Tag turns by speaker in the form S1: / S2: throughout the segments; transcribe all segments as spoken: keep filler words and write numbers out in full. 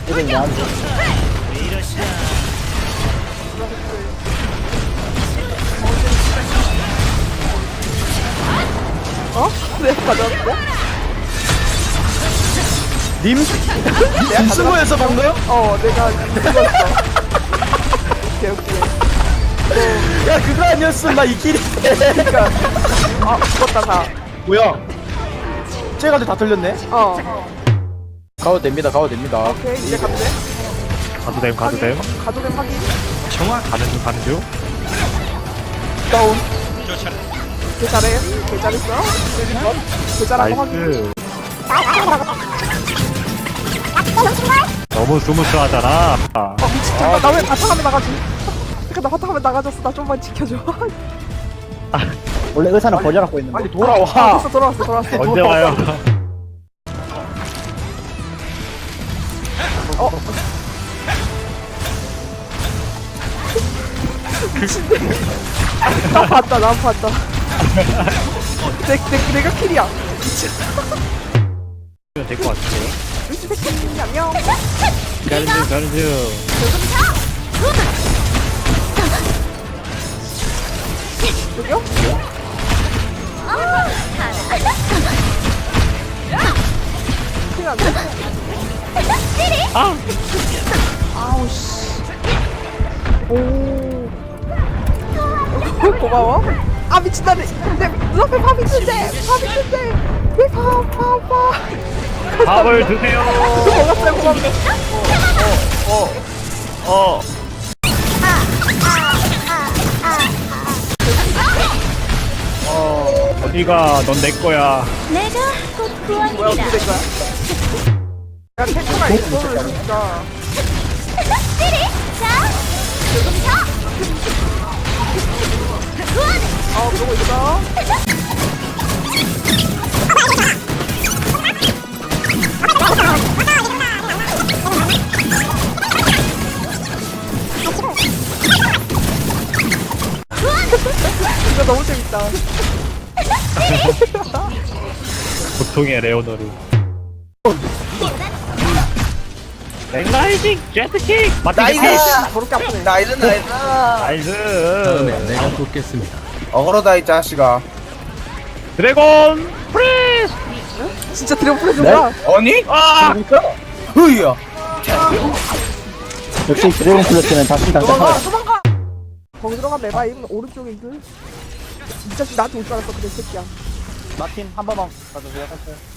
S1: 이런 나한테.
S2: 어? 내가 가져왔어?
S3: 님? 님 스모에서 방금?
S2: 어, 내가 죽었어. 오케이, 오케이.
S3: 야 그거 아니었으면 나 이 길이.
S2: 그니까. 아, 죽었다, 다.
S3: 뭐야? 쟤가도 다 틀렸네?
S2: 어.
S3: 가도 됩니다 가도 됩니다.
S2: 오케이, 이제 가도 돼?
S4: 가도 됨 가도 됨
S2: 가도 돼, 확인.
S4: 청아 가는 중 가는 중
S3: 다운.
S2: 개 잘해. 개 잘했어. 개 잘한 거 확인.
S4: 나이스 너무 스무스하잖아.
S2: 어, 미친. 잠깐, 나왜 바탕화면 나가지? 잠깐, 나 바탕화면 나가졌어. 나 좀만 지켜줘.
S1: 원래 의사는 거절하고 있는 거.
S3: 빨리 돌아와.
S2: 아, 됐어, 돌아왔어, 돌아왔어.
S4: 언제 와요?
S2: 어. 나 봤다, 나 봤다. 내, 내, 내가 킬이야.
S4: 될 것 같은데요?
S2: 루시 백킬이 안녕.
S4: 가는 중 가는 중
S2: 여기요? 킬 안 돼.
S4: 아!
S2: 아우, 씨. 오. 고마워. 아, 미친, 나내 눈앞에 밥 있는데! 밥 있는데! 왜 밥, 밥, 밥.
S4: 밥을 드세요.
S2: 먹었어요, 고맙네.
S4: 어. 어. 어. 어디가 넌 내 거야.
S5: 내가 곧
S2: 뭐야,
S5: 구원이다.
S2: 어떻게 된 거야? 야, 탱크가 있어, 진짜.
S5: 찌릿! 자, 조금 더! 구원!
S2: 어, 그러고 있어. 이거 너무 재밌다.
S4: 보통의 레오너를. 랭라이징 제트킥 맞다.
S2: 저렇게 아프네.
S6: 나이스 나이스.
S4: 나이스.
S7: 내가 돕겠습니다.
S6: 어그로다 이 자식아.
S4: 드래곤 프리스.
S2: 진짜 드래곤 프레즈구나.
S6: 아니?
S4: 아!
S6: 흐이야.
S1: 역시 드래곤 플래티는 다시
S2: 도망가,
S1: 당장.
S2: 도망가! 거기 들어가 매바임 오른쪽에 있는 이 자식 나한테 올 줄 알았어, 그래, 새끼야.
S1: 마틴 한 번만 가주세요.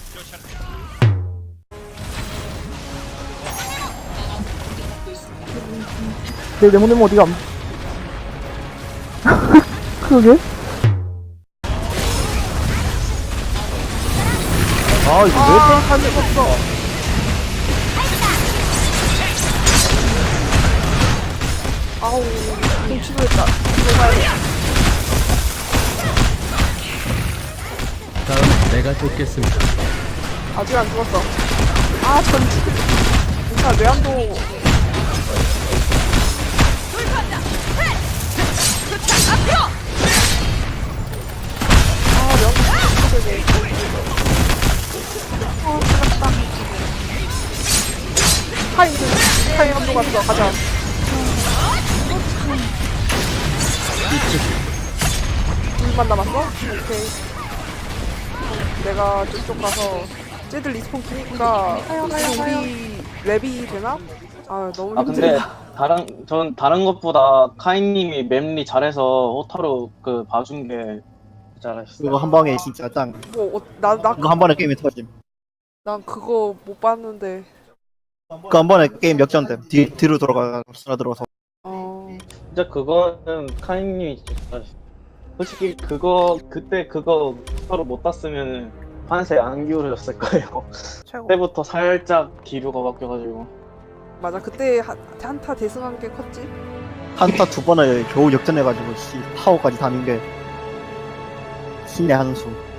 S2: 내 네모네모 어디 감? 그러게?
S3: 아 이거
S2: 아, 잘 죽었어. 아우, 좀 치료했다. 들어가야 돼.
S7: 다음 내가 돕겠습니다.
S2: 아직 안 죽었어. 아, 전지. 그러니까 외환도. 아, 명도 되게. 아, 끝났다. 타임, 타임 한도 갔어. 가자. 둘만 남았어? 오케이. 내가 저쪽 가서 쟤들 리스폰 키니까 우리 랩이 되나? 아 너무
S8: 아 근데
S2: 힘들다.
S8: 다른 전 다른 것보다 카이님이 맵리 잘해서 호타로 그 봐준 게 잘했어요.
S1: 그거 한 방에 진짜 짱.
S2: 뭐, 어, 나, 나,
S1: 그거 한 번에 게임이 터짐.
S2: 난 그거 못 봤는데.
S1: 그 한 번에 게임 역전됨. 뒤 뒤로 돌아가 쓰나 들어서.
S2: 어,
S8: 진짜 그거는 카이님이 진짜 잘했어요. 솔직히 그거 그때 그거 호타로 못 땄으면 판세 안 기울어졌을 거예요.
S2: 최고.
S8: 그때부터 살짝 기류가 바뀌어가지고.
S2: 맞아, 그때 한, 한타 대승한 게 컸지?
S1: 한타 두 번을 겨우 역전해가지고 씨 파워까지 다는 게 신의 한수.